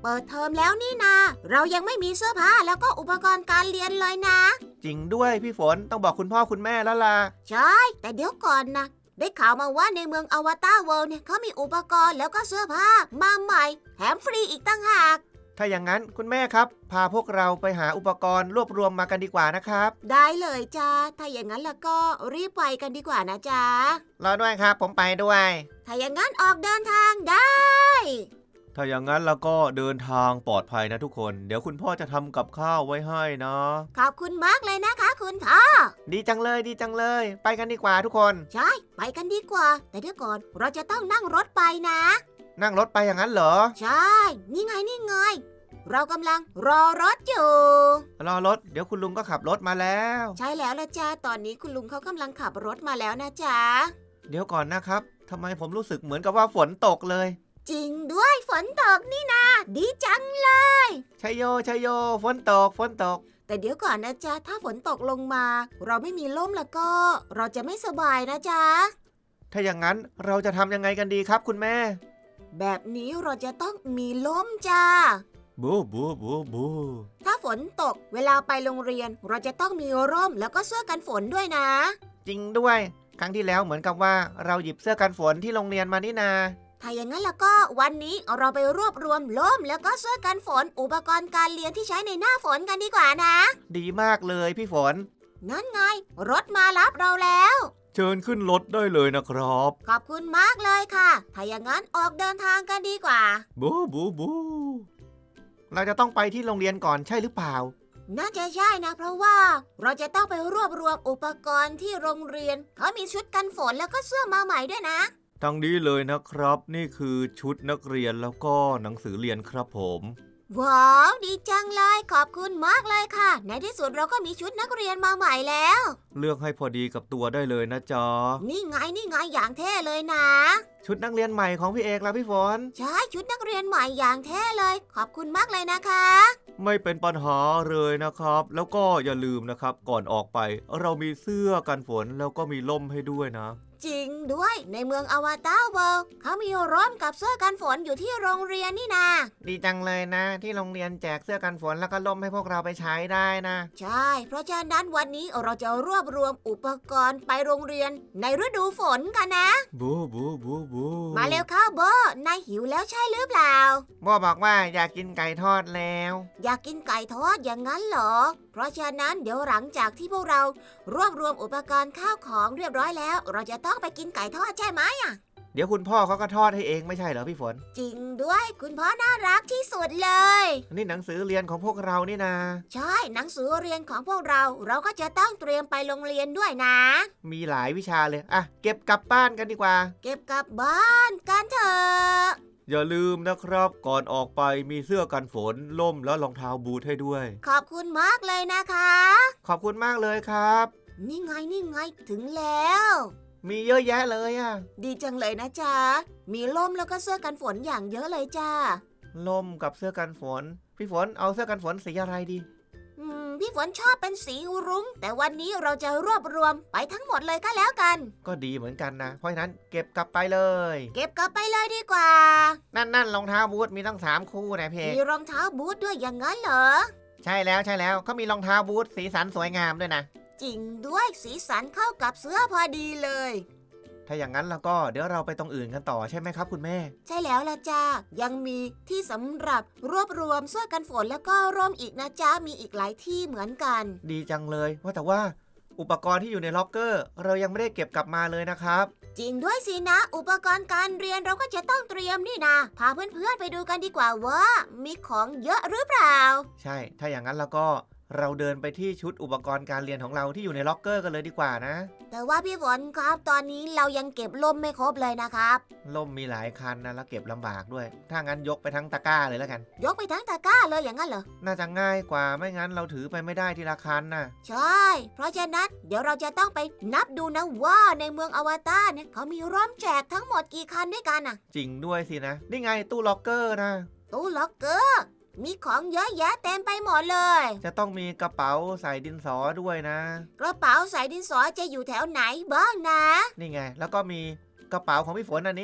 เปิดเทอมแล้วนี่นาเรายังไม่มีเสื้อผ้าแล้วก็อุปกรณ์การเรียนเลยนะจริงด้วยพี่ฝนต้องบอกคุณพ่อคุณแม่แล้วล่ะใช่แต่เดี๋ยวก่อนนะได้ข่าวมาว่าในเมืองอวตารเวิลด์เนี่ยเขามีอุปกรณ์แล้วก็เสื้อผ้ามาใหม่แถมฟรีอีกตั้งหากถ้าอย่างนั้นคุณแม่ครับพาพวกเราไปหาอุปกรณ์รวบรวมมากันดีกว่านะครับได้เลยจ้าถ้าอย่างนั้นแล้วก็รีบไปกันดีกว่านะจ๊ะรอด้วยครับผมไปด้วยถ้าอย่างนั้นออกเดินทางได้ถ้าอย่างนั้นแล้วก็เดินทางปลอดภัยนะทุกคนเดี๋ยวคุณพ่อจะทำกับข้าวไว้ให้นะขอบคุณมากเลยนะคะคุณพ่อดีจังเลยดีจังเลยไปกันดีกว่าทุกคนใช่ไปกันดีกว่าแต่เดี๋ยวก่อนเราจะต้องนั่งรถไปนะนั่งรถไปอย่างนั้นเหรอใช่นี่ไงนี่ไงเรากำลังรอรถอยู่รอรถเดี๋ยวคุณลุงก็ขับรถมาแล้วใช่แล้วละจ้าตอนนี้คุณลุงเขากำลังขับรถมาแล้วนะจ๊ะเดี๋ยวก่อนนะครับทำไมผมรู้สึกเหมือนกับว่าฝนตกเลยจริงด้วยฝนตกนี่นาดีจังเลยชัยโยชัยโยฝนตกฝนตกแต่เดี๋ยวก่อนนะจ๊ะถ้าฝนตกลงมาเราไม่มีร่มแล้วก็เราจะไม่สบายนะจ๊ะถ้าอย่างนั้นเราจะทำยังไงกันดีครับคุณแม่แบบนี้เราจะต้องมีร่มจ้าบูบูบูบูถ้าฝนตกเวลาไปโรงเรียนเราจะต้องมีร่มแล้วก็เสื้อกันฝนด้วยนะจริงด้วยครั้งที่แล้วเหมือนกับว่าเราหยิบเสื้อกันฝนที่โรงเรียนมานี่นาถ้าอย่างนั้นแล้วก็วันนี้เราไปรวบรวมร่มแล้วก็เสื้อกันฝนอุปกรณ์การเรียนที่ใช้ในหน้าฝนกันดีกว่านะดีมากเลยพี่ฝนนั่นไงรถมารับเราแล้วเชิญขึ้นรถได้เลยนะครับขอบคุณมากเลยค่ะถ้าอย่างนั้นออกเดินทางกันดีกว่าบูบูบูเราจะต้องไปที่โรงเรียนก่อนใช่หรือเปล่าน่าจะใช่นะเพราะว่าเราจะต้องไปรวบรวมอุปกรณ์ที่โรงเรียนเขามีชุดกันฝนแล้วก็เสื้อมาใหม่ด้วยนะทั้งนี้เลยนะครับนี่คือชุดนักเรียนแล้วก็หนังสือเรียนครับผมว้าวดีจังเลยขอบคุณมากเลยค่ะในที่สุดเราก็มีชุดนักเรียนมาใหม่แล้วเลือกให้พอดีกับตัวได้เลยนะจ๊ะนี่ไงอย่างเท่เลยนะชุดนักเรียนใหม่ของพี่เอกแล้วพี่ฝนใช่ชุดนักเรียนใหม่อย่างเท่เลยขอบคุณมากเลยนะคะไม่เป็นปัญหาเลยนะครับแล้วก็อย่าลืมนะครับก่อนออกไปเรามีเสื้อกันฝนแล้วก็มีร่มให้ด้วยนะจริงด้วยในเมืองอวตารเวิลด์เขามีร่มกับเสื้อกันฝนอยู่ที่โรงเรียนนี่นาดีจังเลยนะที่โรงเรียนแจกเสื้อกันฝนแล้วก็ร่มให้พวกเราไปใช้ได้นะใช่เพราะฉะนั้นวันนี้เราจะรวบรวมอุปกรณ์ไปโรงเรียนในฤดูฝนกันนะบูบูบูบูมาเร็วเข้าโบนายหิวแล้วใช่หรือเปล่าโบบอกว่าอยากกินไก่ทอดแล้วอยากกินไก่ทอดอย่างนั้นเหรอเพราะฉะนั้นเดี๋ยวหลังจากที่พวกเรารวบรวมอุปกรณ์ข้าวของเรียบร้อยแล้วเราจะต้องไปกินไก่ทอดใช่ไหมอ่ะเดี๋ยวคุณพ่อเขาก็ทอดให้เองไม่ใช่เหรอพี่ฝนจริงด้วยคุณพ่อน่ารักที่สุดเลยนี่หนังสือเรียนของพวกเรานี่นาใช่หนังสือเรียนของพวกเราก็จะต้องเตรียมไปโรงเรียนด้วยนะมีหลายวิชาเลยอ่ะเก็บกลับบ้านกันดีกว่าเก็บกลับบ้านกันเถอะอย่าลืมนะครับก่อนออกไปมีเสื้อกันฝนร่มแล้วรองเท้าบูทให้ด้วยขอบคุณมากเลยนะคะขอบคุณมากเลยครับนี่ไงถึงแล้วมีเยอะแยะเลยอ่ะดีจังเลยนะจ๊ะมีร่มแล้วก็เสื้อกันฝนอย่างเยอะเลยจ้าร่มกับเสื้อกันฝนพี่ฝนเอาเสื้อกันฝนสีอะไรดีพี่ฝนชอบเป็นสีรุ้งแต่วันนี้เราจะรวบรวมไปทั้งหมดเลยก็แล้วกันก็ดีเหมือนกันนะเพราะฉะนั้นเก็บกลับไปเลยเก็บกลับไปเลยดีกว่านั่นรองเท้าบูทมีตั้ง3 คู่นะเพมีรองเท้าบูทด้วยอย่างนั้นเหรอใช่แล้วเขามีรองเท้าบูทสีสันสวยงามด้วยนะจริงด้วยสีสันเข้ากับเสื้อพอดีเลยถ้าอย่างนั้นแล้วก็เดี๋ยวเราไปตรงอื่นกันต่อใช่ไหมครับคุณแม่ใช่แล้วล่ะจ้ายังมีที่สำหรับรวบรวมเสื้อกันฝนแล้วก็ร่มอีกนะจ้ามีอีกหลายที่เหมือนกันดีจังเลยว่าแต่ว่าอุปกรณ์ที่อยู่ในล็อกเกอร์เรายังไม่ได้เก็บกลับมาเลยนะครับจริงด้วยสินะอุปกรณ์การเรียนเราก็จะต้องเตรียมนี่นะพาเพื่อนๆไปดูกันดีกว่าว่ามีของเยอะหรือเปล่าใช่ถ้าอย่างนั้นแล้วก็เราเดินไปที่ชุดอุปกรณ์การเรียนของเราที่อยู่ในล็อกเกอร์กันเลยดีกว่านะแต่ว่าพี่ฝนครับตอนนี้เรายังเก็บล่มไม่ครบเลยนะครับล่มมีหลายคันนะแล้วเก็บลำบากด้วยถ้างั้นยกไปทั้งตะกร้าเลยแล้วกันยกไปทั้งตะกร้าเลยอย่างนั้นเหรอน่าจะง่ายกว่าไม่งั้นเราถือไปไม่ได้ทีละคันนะใช่เพราะฉะนั้นเดี๋ยวเราจะต้องไปนับดูนะว่าในเมืองอวตารเนี่ยเขามีร่มแจกทั้งหมดกี่คันด้วยกันอ่ะจริงด้วยสินะนี่ไงตู้ล็อกเกอร์นะตู้ล็อกเกอร์มีของเยอะแยะเต็มไปหมดเลยจะต้องมีกระเป๋าใส่ดินสอด้วยนะกระเป๋าใส่ดินสอจะอยู่แถวไหนบ้างนะนี่ไงแล้วก็มีกระเป๋าของพี่ฝนอันนี้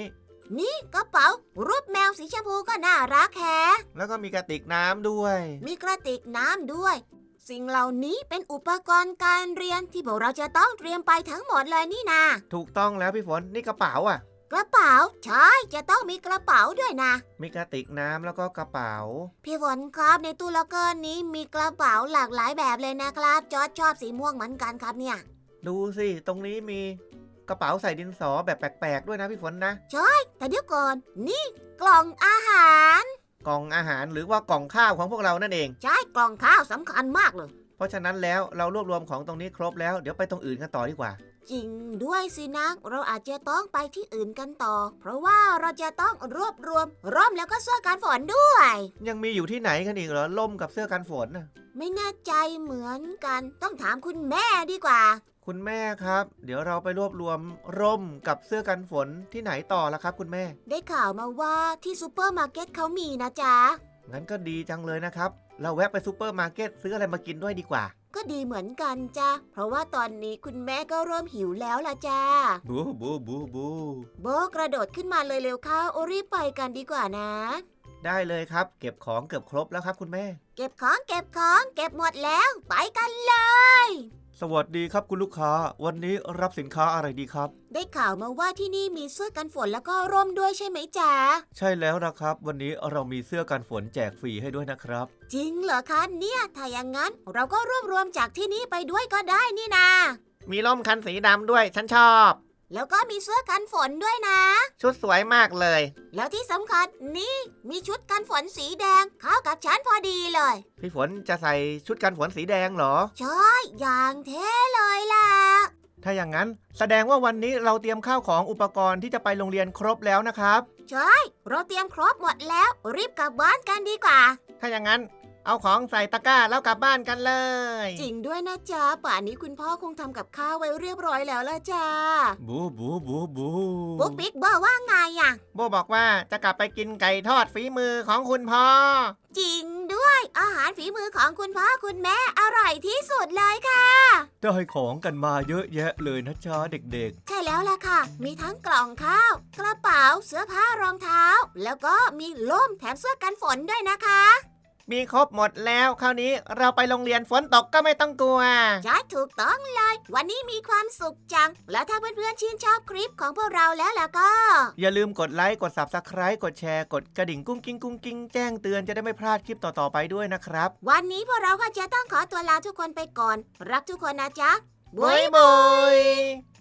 นี่กระเป๋ารูปแมวสีชมพูก็น่ารักแฮะแล้วก็มีกระติกน้ำด้วยมีกระติกน้ำด้วย สิ่งเหล่านี้เป็นอุปกรณ์การเรียนที่พวกเราจะต้องเตรียมไปทั้งหมดเลยนี่นาถูกต้องแล้วพี่ฝนนี่กระเป๋าอ่ะกระเป๋าใช่จะต้องมีกระเป๋าด้วยนะมีกระติกน้ำแล้วก็กระเป๋าพี่ฝนครับในตู้ล็อกเกอร์นี้มีกระเป๋าหลากหลายแบบเลยนะครับจอร์จชอบสีม่วงเหมือนกันครับเนี่ยดูสิตรงนี้มีกระเป๋าใส่ดินสอแบบแปลกๆด้วยนะพี่ฝนนะแต่เดี๋ยวก่อนนี่กล่องอาหารกล่องอาหารหรือว่ากล่องข้าวของพวกเรานั่นเองใช่กล่องข้าวสำคัญมากเลยเพราะฉะนั้นแล้วเรารวบรวมของตรงนี้ครบแล้วเดี๋ยวไปตรงอื่นกันต่อดีกว่าจริงด้วยสินะเราอาจจะต้องไปที่อื่นกันต่อ เพราะว่าเราจะต้องรวบรวมร่มแล้วก็เสื้อกันฝนด้วยยังมีอยู่ที่ไหนกันอีกเหรอล่มกับเสื้อกันฝนน่ะไม่แน่ใจเหมือนกันต้องถามคุณแม่ดีกว่าคุณแม่ครับ เดี๋ยวเราไปรวบรวมร่มกับเสื้อกันฝนที่ไหนต่อละครับคุณแม่ได้ข่าวมาว่าที่ซูเปอร์มาร์เก็ตเขามีนะจ๊ะงั้นก็ดีจังเลยนะครับเราแวะไปซูเปอร์มาร์เก็ตซื้ออะไรมากินด้วยดีกว่าก็ดีเหมือนกันจ้ะเพราะว่าตอนนี้คุณแม่ก็เริ่มหิวแล้วล่ะจ้าบูบูบูบูโบกระโดดขึ้นมาเลยเร็วเข้าโอรีบไปกันดีกว่านะได้เลยครับเก็บของเกือบครบแล้วครับคุณแม่เก็บของเก็บหมดแล้วไปกันเลยสวัสดีครับคุณลูกค้าวันนี้รับสินค้าอะไรดีครับได้ข่าวมาว่าที่นี่มีเสื้อกันฝนแล้วก็ร่มด้วยใช่ไหมจ๊ะใช่แล้วนะครับ วันนี้เรามีเสื้อกันฝนแจกฟรีให้ด้วยนะครับจริงเหรอคะเนี่ยถ้าอย่างนั้นเราก็รวบรวมจากที่นี่ไปด้วยก็ได้นี่นามีร่มคันสีดำด้วยฉันชอบแล้วก็มีเสื้อกันฝนด้วยนะชุดสวยมากเลยแล้วที่สำคัญนี่มีชุดกันฝนสีแดงเข้ากับฉันพอดีเลยพี่ฝนจะใส่ชุดกันฝนสีแดงเหรอใช่อย่างเท่เลยล่ะถ้าอย่างนั้นแสดงว่าวันนี้เราเตรียมข้าวของอุปกรณ์ที่จะไปโรงเรียนครบแล้วนะครับใช่เราเตรียมครบหมดแล้วรีบกลับบ้านกันดีกว่าถ้าอย่างนั้นเอาของใส่ตะกร้าแล้วกลับบ้านกันเลยจริงด้วยนะจ๊ะป่านนี้คุณพ่อคงทำกับข้าวไว้เรียบร้อยแล้วล่ะจ้าบูบูบูบูปุ๊กปิ๊กบอกว่าไงอ่ะโบบอกว่าจะกลับไปกินไก่ทอดฝีมือของคุณพ่อจริงด้วยอาหารฝีมือของคุณพ่อคุณแม่อร่อยที่สุดเลยค่ะได้ของกันมาเยอะแยะเลยนะจ๊ะเด็กใช่แล้วล่ะค่ะ มีทั้งกล่องข้าว กระเป๋าเสื้อผ้ารองเท้า แล้วก็มีร่มแถมเสื้อกันฝนด้วยนะคะมีครบหมดแล้วคราวนี้เราไปโรงเรียนฝนตกก็ไม่ต้องกลัวใช่ถูกต้องเลย วันนี้มีความสุขจัง แล้วถ้าเพื่อนๆชื่นชอบคลิปของพวกเราแล้วล่ะก็อย่าลืมกดไลค์กด Subscribe กดแชร์กดกระดิ่งกุ้งกิ้งกุ้งกิ้งแจ้งเตือนจะได้ไม่พลาดคลิปต่อๆไปด้วยนะครับวันนี้พวกเราก็จะต้องขอตัวลาทุกคนไปก่อน รักทุกคนนะจ๊ะบ๊ายบาย